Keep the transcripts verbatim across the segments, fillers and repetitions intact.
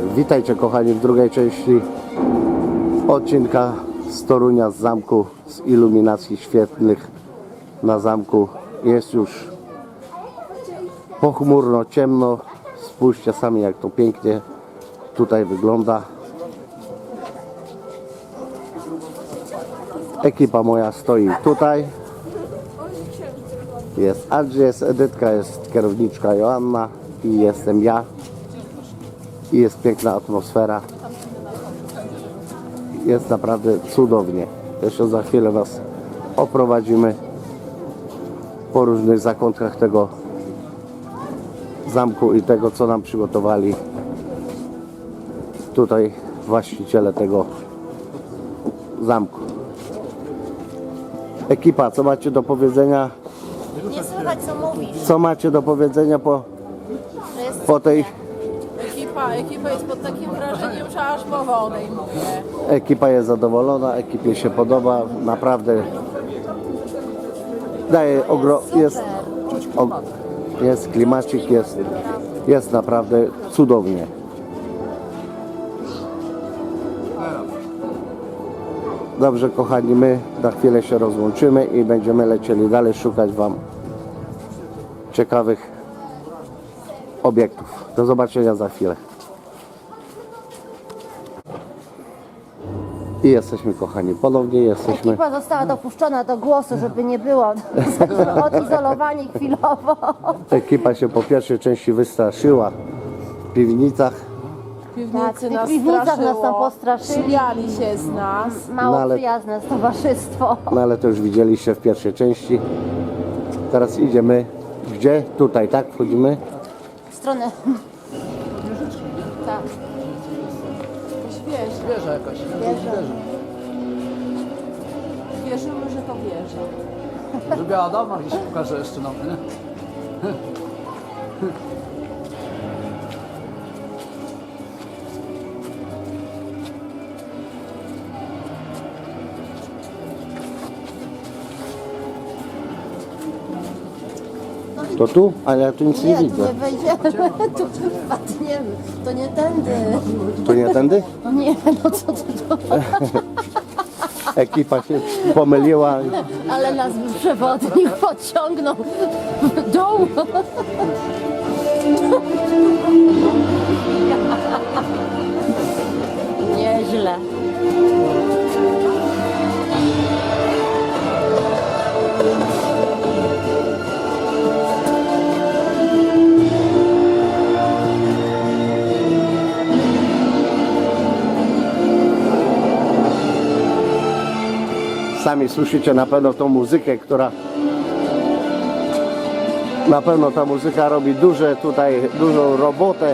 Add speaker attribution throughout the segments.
Speaker 1: Witajcie kochani w drugiej części odcinka z Torunia, z zamku, z iluminacji świetlnych na zamku. Jest już pochmurno, ciemno. Spójrzcie sami, jak to pięknie tutaj wygląda. Ekipa moja stoi tutaj. Jest Andrzej, jest Edytka, jest kierowniczka Joanna i jestem ja. I jest piękna atmosfera. Jest naprawdę cudownie. Jeszcze za chwilę Was oprowadzimy po różnych zakątkach tego zamku i tego, co nam przygotowali tutaj właściciele tego zamku. Ekipa, co macie do powiedzenia?
Speaker 2: Nie słychać, co mówisz.
Speaker 1: Co macie do powiedzenia po, po tej...
Speaker 3: Ekipa, ekipa jest pod takim wrażeniem, że aż mowa odejmuje.
Speaker 1: Ekipa jest zadowolona, ekipie się podoba, naprawdę daje ogro... jest, o... jest klimacik, jest, jest naprawdę cudownie. Dobrze kochani, my na chwilę się rozłączymy i będziemy lecieli dalej szukać Wam ciekawych obiektów. Do zobaczenia za chwilę. I jesteśmy kochani, ponownie jesteśmy.
Speaker 2: Ekipa została dopuszczona do głosu, żeby nie było odizolowani chwilowo.
Speaker 1: Ekipa się po pierwszej części wystraszyła w piwnicach.
Speaker 3: W piwnicy
Speaker 2: Tak, w tych
Speaker 3: nas
Speaker 2: piwnicach nas tam
Speaker 3: straszyło.
Speaker 2: postraszyli.
Speaker 3: Śmiali się z nas.
Speaker 2: Mało
Speaker 1: No ale-
Speaker 2: przyjazne towarzystwo.
Speaker 1: No ale to już widzieliście w pierwszej części. Teraz idziemy gdzie? Tutaj, tak? Wchodzimy?
Speaker 2: W stronę. Tak.
Speaker 3: Wierzę.
Speaker 4: Wieża jakaś.
Speaker 2: Wieża.
Speaker 3: Wierzymy, że to wierzę.
Speaker 4: Żeby Adama gdzieś pokaże jeszcze nam, nie?
Speaker 1: To tu? Ale ja tu nic nie
Speaker 2: Nie, tu
Speaker 1: widzę.
Speaker 2: nie wejdziemy, tu wpadniemy. To nie tędy.
Speaker 1: To nie tędy?
Speaker 2: No nie, no co ty to?
Speaker 1: Ekipa się pomyliła.
Speaker 2: Ale nas przewodnik pociągnął w dół. Nieźle.
Speaker 1: Sami słyszycie na pewno tą muzykę, która na pewno ta muzyka robi duże tutaj, dużą robotę.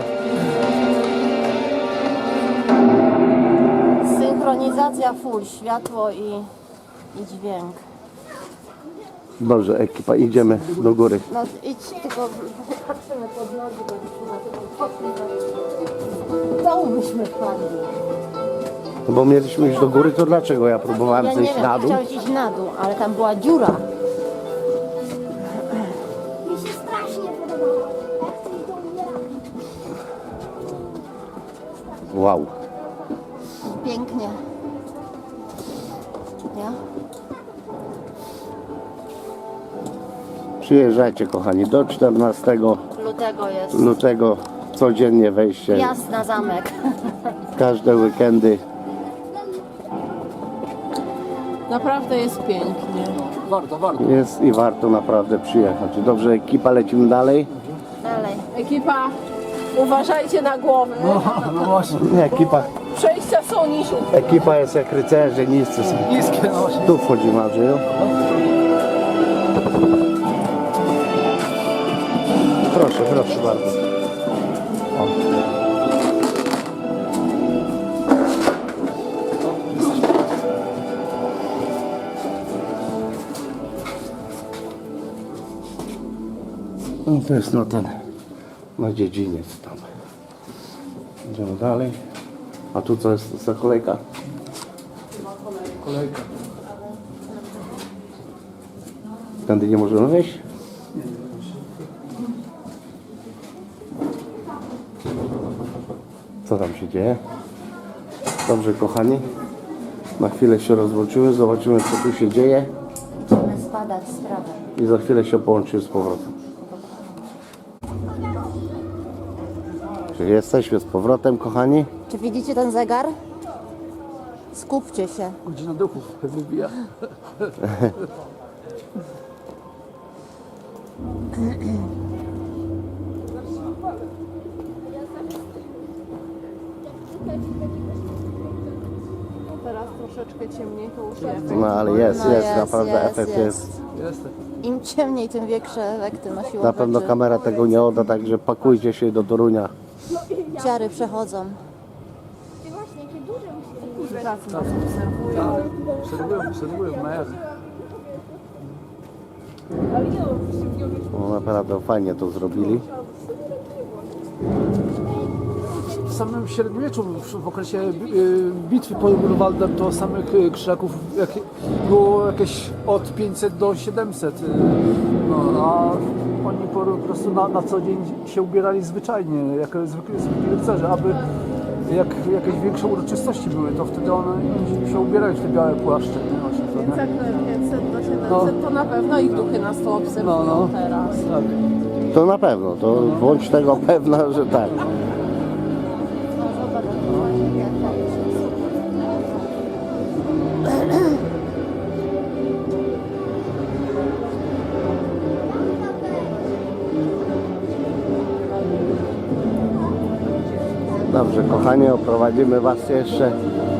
Speaker 2: Synchronizacja full, światło i, i dźwięk.
Speaker 1: Dobrze, ekipa, idziemy do góry.
Speaker 2: No idź, tylko patrzymy pod nogi, bo byśmy na tego poszli. W dołu byśmy wpadli.
Speaker 1: No bo mieliśmy iść do góry, to dlaczego ja próbowałem
Speaker 2: Ja nie
Speaker 1: zejść
Speaker 2: wiem,
Speaker 1: na dół?
Speaker 2: chciałeś iść na dół, ale tam była dziura.
Speaker 5: Mi się strasznie podobało. Jak coś do umierania.
Speaker 1: Wow.
Speaker 2: Pięknie. Ja?
Speaker 1: Przyjeżdżajcie kochani, do czternastego
Speaker 2: Lutego jest.
Speaker 1: lutego codziennie wejście,
Speaker 2: Wjazd na zamek.
Speaker 1: każde weekendy.
Speaker 3: Naprawdę jest pięknie.
Speaker 4: Warto, warto.
Speaker 1: Jest i warto naprawdę przyjechać. Dobrze, ekipa, lecimy dalej.
Speaker 2: Dalej.
Speaker 3: Ekipa, uważajcie na głowy.
Speaker 4: No właśnie.
Speaker 1: Nie, ekipa,
Speaker 3: Przejścia są niżej.
Speaker 1: ekipa jest jak rycerze, niscy są.
Speaker 4: Niskie, no właśnie.
Speaker 1: Tu wchodzimy, Andrzeju. Proszę, proszę bardzo. O. No to jest no ten, na dziedziniec tam. Idziemy dalej. A tu co jest za kolejka?
Speaker 4: Kolejka.
Speaker 1: Tędy nie możemy wejść? Co tam się dzieje? Dobrze, kochani. Na chwilę się rozłączymy, zobaczymy, co tu się dzieje.
Speaker 2: Chcemy spadać z trawą.
Speaker 1: I za chwilę się połączymy z powrotem. Czyli jesteśmy z powrotem, kochani.
Speaker 2: Czy widzicie ten zegar? Skupcie się.
Speaker 4: Godzina duchów wybija.
Speaker 3: Teraz troszeczkę ciemniej, to już jest.
Speaker 1: No ale jest,
Speaker 2: No
Speaker 1: jest,
Speaker 2: jest,
Speaker 1: naprawdę
Speaker 2: jest,
Speaker 1: efekt jest.
Speaker 2: jest.
Speaker 4: Jestem.
Speaker 2: Im ciemniej, tym większe efekty na siłę
Speaker 1: Na pewno
Speaker 2: rzeczy.
Speaker 1: kamera tego nie odda, także pakujcie się do Torunia.
Speaker 2: Ciary przechodzą.
Speaker 5: Właśnie, jakie duże musi być.
Speaker 3: Pracy nas obserwują.
Speaker 4: Obserwują, obserwują na jawie.
Speaker 1: No, naprawdę fajnie to zrobili.
Speaker 4: W samym średniowieczu, w w okresie y, bitwy pod Grunwaldem, to samych y, krzyżaków jak, było jakieś od pięćset do siedemset. y, No, a oni po, po prostu na, na co dzień się ubierali zwyczajnie, jak zwykli, zwykli rycerze, aby jak jakieś większe uroczystości były, to wtedy one się ubierali w te białe płaszcze. Nie? Właśnie to,
Speaker 3: Więc
Speaker 4: nie?
Speaker 3: jak pięćset do siedemset, to na pewno ich duchy nas to obserwują
Speaker 4: No, no.
Speaker 3: teraz.
Speaker 4: Tak.
Speaker 1: To na pewno, to bądź tego pewna, że tak.
Speaker 2: No zobacz, jak to jest.
Speaker 1: Dobrze, kochani, oprowadzimy Was jeszcze.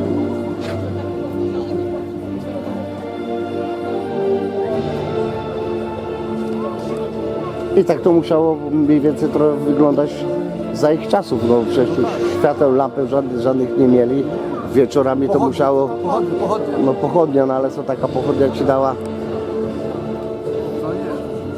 Speaker 1: I tak to musiało mniej więcej trochę wyglądać za ich czasów, no przecież już świateł, lampy żadnych, żadnych nie mieli. Wieczorami to
Speaker 4: Pochodnie,
Speaker 1: musiało,
Speaker 4: Pochodnie, pochodnie.
Speaker 1: no pochodnia, no ale co taka pochodnia Ci dała?
Speaker 4: No nie.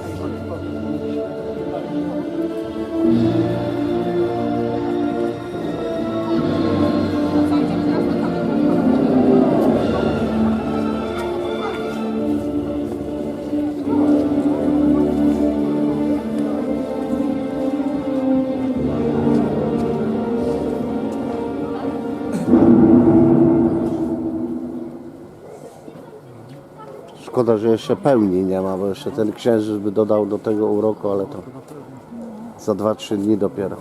Speaker 1: Szkoda, że jeszcze pełni nie ma, bo jeszcze ten księżyc by dodał do tego uroku, ale to za dwa trzy dni dopiero.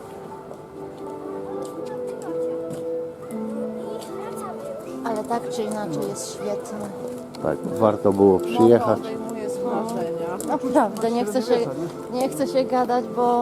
Speaker 2: Ale tak czy inaczej jest świetny.
Speaker 1: Tak, warto było przyjechać.
Speaker 3: Odejmuje z wrażenia.
Speaker 2: Naprawdę, nie chcę się, nie chcę się gadać, bo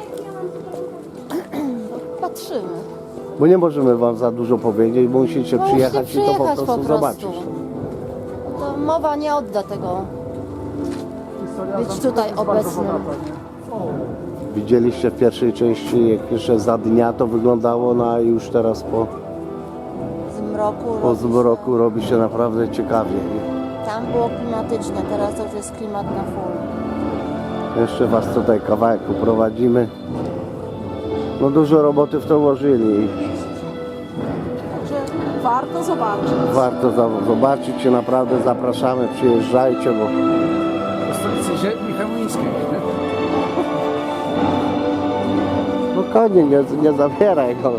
Speaker 2: patrzymy.
Speaker 1: Bo nie możemy Wam za dużo powiedzieć, bo musicie
Speaker 2: No,
Speaker 1: przyjechać
Speaker 2: musicie
Speaker 1: i to po
Speaker 2: przyjechać
Speaker 1: prostu,
Speaker 2: po prostu.
Speaker 1: zobaczyć.
Speaker 2: To mowa nie odda tego.
Speaker 4: Historia
Speaker 2: Być
Speaker 4: zamku
Speaker 2: tutaj
Speaker 4: jest bardzo
Speaker 2: obecnym.
Speaker 4: bogata, nie?
Speaker 1: Widzieliście w pierwszej części, jak jeszcze za dnia to wyglądało, no a już teraz po,
Speaker 2: Z mroku.
Speaker 1: po
Speaker 2: robi się-
Speaker 1: zmroku robi się naprawdę ciekawie.
Speaker 2: Tam było klimatycznie, teraz to już jest klimat na full.
Speaker 1: Jeszcze Was tutaj kawałek uprowadzimy. No dużo roboty w to włożyli.
Speaker 3: Także warto zobaczyć.
Speaker 1: Warto za- zobaczyć się, naprawdę zapraszamy, przyjeżdżajcie, bo
Speaker 4: Do stolicy ziemi chełmińskiej. nie?
Speaker 1: no konie nie, nie zabieraj go.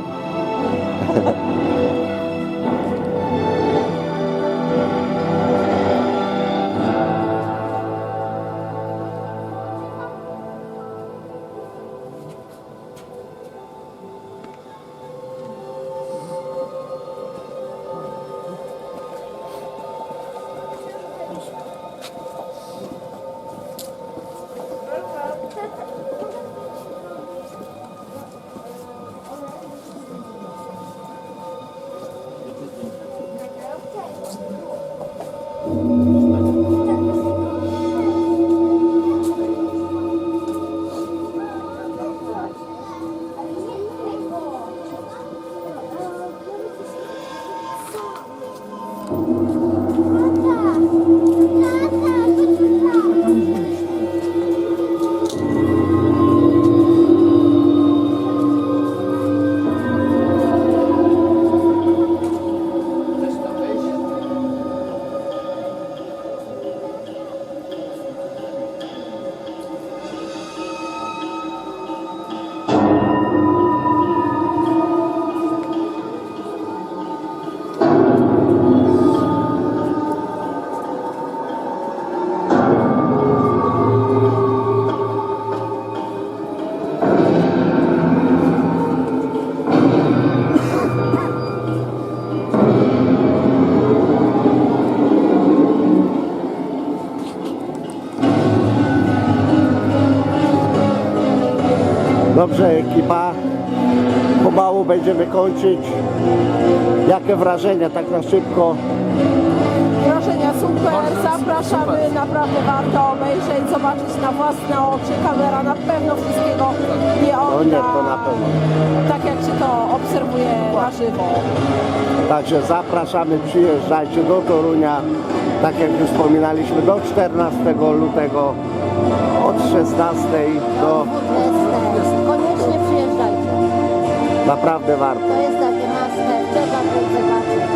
Speaker 1: buziaki, pa. Pomału będziemy kończyć. Jakie wrażenia, tak na szybko?
Speaker 3: Wrażenia super,
Speaker 4: Bardzo
Speaker 3: zapraszamy,
Speaker 4: super.
Speaker 3: naprawdę warto obejrzeć, zobaczyć na własne oczy. Kamera na pewno wszystkiego nie
Speaker 1: No
Speaker 3: odda,
Speaker 1: nie, to na pewno.
Speaker 3: tak jak się to obserwuje na żywo.
Speaker 1: Także zapraszamy, przyjeżdżajcie do Torunia. Tak jak już wspominaliśmy, do czternastego lutego od szesnastej do...
Speaker 2: dwudziestego. Koniecznie przyjeżdżajcie.
Speaker 1: Naprawdę warto.
Speaker 2: To jest takie must have. Trzeba to zobaczyć.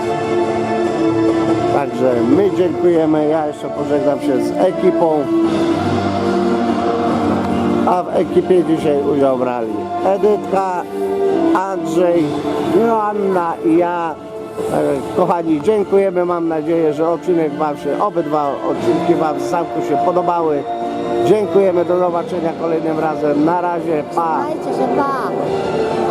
Speaker 1: Także my dziękujemy. Ja jeszcze pożegnam się z ekipą. A w ekipie dzisiaj udział brali Edytka, Andrzej, Joanna i ja. E, Kochani, dziękujemy. Mam nadzieję, że odcinek Wam się, obydwa odcinki Wam z zamku się podobały. Dziękujemy. Do zobaczenia kolejnym razem. Na razie. Pa.
Speaker 2: Trzymajcie się, pa.